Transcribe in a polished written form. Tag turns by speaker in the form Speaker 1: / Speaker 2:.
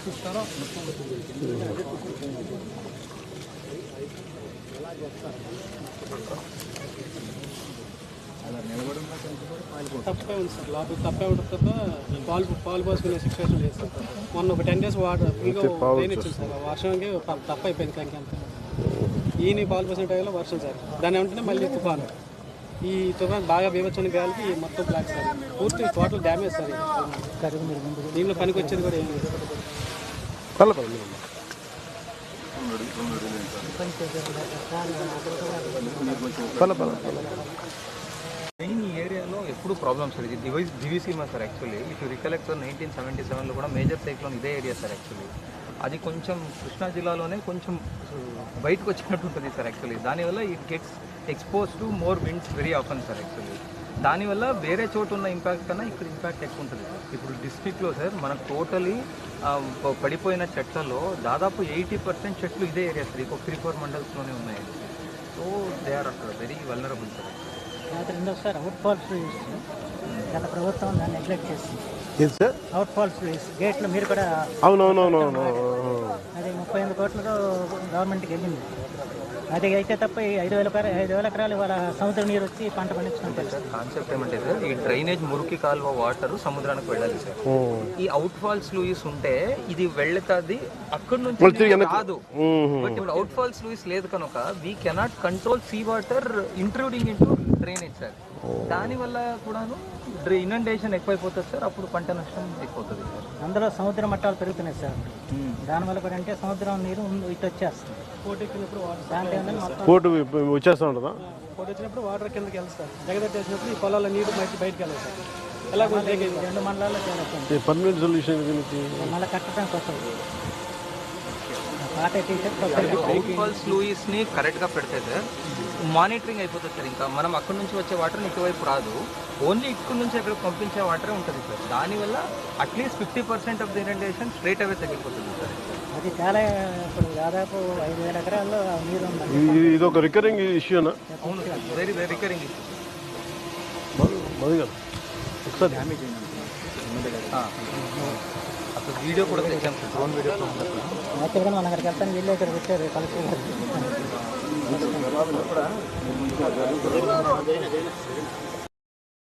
Speaker 1: తప్పే ఉంది సార్, లోపల తప్పే ఉంటుంది తప్ప పాలు పోసుకునే సిచ్యువేషన్ లేదు సార్. మొన్న ఒక 10 days వాటర్ ఫుల్గా ట్రైన్ ఇచ్చింది సార్, వర్షంకి తప్ప అయిపోయింది ట్యాంక్ అంతా. ఈయన పాలు పోసిన టైంలో వర్షం సార్, దాని వెంటనే మళ్ళీ తుఫాను. ఈ తుఫాన్ బాగా బీభత్సమైన గాలికి మొత్తం బ్లాక్ సార్, పూర్తి టోటల్ డ్యామేజ్ సార్. దీనిలో పనికి వచ్చేది కూడా ఏం లేదు.
Speaker 2: మెయిన్ ఈ ఏరియాలో ఎప్పుడు ప్రాబ్లమ్స్ సార్. ఇది Diviseema sir. Actually if you recollect sir 1977లో కూడా మేజర్ సైక్లోన్ ఇదే ఏరియా సార్. యాక్చువల్లీ అది కొంచెం కృష్ణా జిల్లాలోనే కొంచెం బయటకు వచ్చినట్టు ఉంటుంది సార్. యాక్చువల్లీ దానివల్ల it gets expose to more winds very often sir. Actually దానివల్ల వేరే చోటు ఉన్న ఇంపాక్ట్ కన్నా ఇక్కడ ఇంపాక్ట్ ఎక్కువ ఉంటుంది సార్. ఇప్పుడు డిస్ట్రిక్ట్లో సార్ మనకు టోటలీ పడిపోయిన చెట్లలో దాదాపు 80% చెట్లు ఇదే ఏరియా సార్. ఇంకొక 3-4 మండల్స్లోనే ఉన్నాయి. So they are very vulnerable sir.
Speaker 3: Sir out falls గత ప్రభుత్వం దాన్ని నెగ్లెక్ట్ చేస్తుంది
Speaker 4: సార్.
Speaker 3: అవుట్ ఫాల్స్ గేట్లు మీరు కూడా
Speaker 4: అవునవునవునవును
Speaker 3: అది 38 కోట్లతో గవర్నమెంట్కి వెళ్ళింది. అది అయితే తప్ప 5,000 ఎకరాలు ఇవాళ సముద్ర నీరు వచ్చి పంట పండించుకుంటారు
Speaker 2: సార్. కాన్సెప్ట్ ఏమంటే సార్, ఈ డ్రైనేజ్ మురికి కాలువ వాటర్ సముద్రానికి వెళ్ళాలి సార్. ఈ అవుట్ ఫాల్స్ లూయిస్ ఉంటే ఇది వెళ్తాది, అక్కడ నుంచి కాదు. బట్ ఇప్పుడు అవుట్ ఫాల్స్ లూయిస్ లేదు కనుక we cannot control sea water intruding into drainage sir. దానివల్ల కూడాను ఇనండేషన్ ఎక్కువైపోతుంది సార్. అప్పుడు పంట నష్టం ఎక్కువవుతుంది సార్.
Speaker 3: అందులో సముద్ర మట్టాలు పెరుగుతున్నాయి సార్. దానివల్ల కూడా అంటే సముద్రం నీరు ఇటు వచ్చేస్తుంది.
Speaker 1: పోటీ ఎక్కినప్పుడు
Speaker 4: పోటు వచ్చేస్తూ ఉంటుందా?
Speaker 1: పోటీ వచ్చినప్పుడు వాటర్ కిందకి వెళ్తారు. జగదత్తి వచ్చినప్పుడు ఈ పొలాల నీరు బయటకు వెళ్ళాలి సార్. ఎలా
Speaker 3: 2 మండలాల్లో చేరుతుంది.
Speaker 4: పర్మనెంట్ సొల్యూషన్
Speaker 3: మళ్ళీ కట్టడానికి వస్తుంది. పాత
Speaker 2: అవుట్ ఫాల్స్ లూయిస్ ని కరెక్ట్ గా పెడితే సార్ మానిటరింగ్ అయిపోతుంది సార్. ఇంకా మనం అక్కడ నుంచి వచ్చే వాటర్ ఇటువైపు రాదు, ఓన్లీ ఇక్కడ నుంచి అక్కడ పంపించే వాటరే ఉంటుంది సార్. దానివల్ల at least 50% of the inundation straight away తగ్గిపోతుంది సార్.
Speaker 3: అది చాలా ఇప్పుడు దాదాపు 5,000 ఎకరాల్లో నీరు ఉంది.
Speaker 4: ఇది ఒక రికరింగ్ ఇష్యూనా?
Speaker 2: అవును sir, very very recurring issue.
Speaker 4: ఒకసారి
Speaker 2: డ్యామేజ్ అయింది అసలు వీడియో కూడా తెచ్చాం సార్, డ్రోన్ వీడియో.
Speaker 3: యాక్చువల్గా మనం అక్కడికి వెళ్తాను, వీళ్ళు ఇక్కడ వచ్చారు కలెక్టర్ గారు.